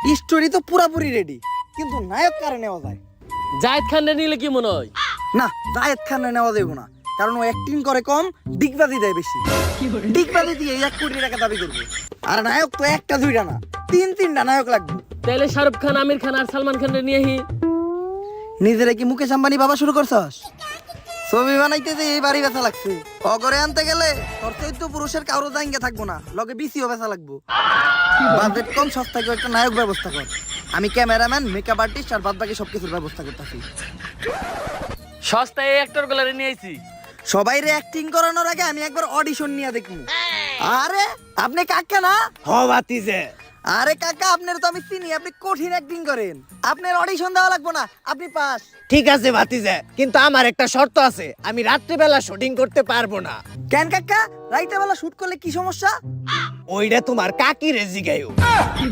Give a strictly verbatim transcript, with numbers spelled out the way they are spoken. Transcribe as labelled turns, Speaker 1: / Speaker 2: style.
Speaker 1: Story তো পুরাপুরি ready, কিন্তু নায়ক কারে নেওয়া যায়?
Speaker 2: জায়েদ খান নিলে কি মনে হয়?
Speaker 1: না, জায়েদ খান নেওয়া যাবে না, কারণ ও অ্যাক্টিং করে কম, ডিগবাজি দেয় বেশি। ডিগবাজি দিয়ে এক কোটি টাকা দাবি করবে, আর নায়ক তো একটা দুইটা না, তিন তিনটা নায়ক লাগবে।
Speaker 2: তাহলে শাহরুখ খান, আমির খান আর সালমান খান নিয়ে হি।
Speaker 1: নিজেরা কি মুকেশ আম্বানি বাবা শুরু করছস? ছবি বানাইতে যে এই বাড়ি বেচা লাগছে, অগরে আনতে গেলে তোর চৈত্য পুরুষের কারো জায়গা থাকবো না, লগে বিসিও বেচা লাগবো। বাজেট কম, সস্তায় একটা নায়ক ব্যবস্থা কর। আমি ক্যামেরাম্যান, মেকআপ আর্টিস্ট আর বাদ বাকি সবকিছুর ব্যবস্থা করতেছি।
Speaker 2: সস্তায় অ্যাক্টর গুলারে নিয়ে আইছি।
Speaker 1: সবাই রে অ্যাক্টিং করানোর আগে আমি একবার অডিশন নিয়ে দেখবো। আরে আপনি কাকা না?
Speaker 3: হ বাতিজে।
Speaker 1: আরে কাকা, আপনার তো আমি চিনি, আপনি কঠিন অ্যাক্টিং করেন, আপনার অডিশন দেওয়া লাগবে না, আপনি পাস।
Speaker 3: ঠিক আছে ভাতিজে, কিন্তু আমার একটা শর্ত আছে, আমি রাত্রিবেলা শুটিং করতে পারবো না।
Speaker 1: কেন কাকা, রাইতে বেলা শুট করলে কি সমস্যা?
Speaker 3: ওইটা তোমার কাকি রে জিগাইও।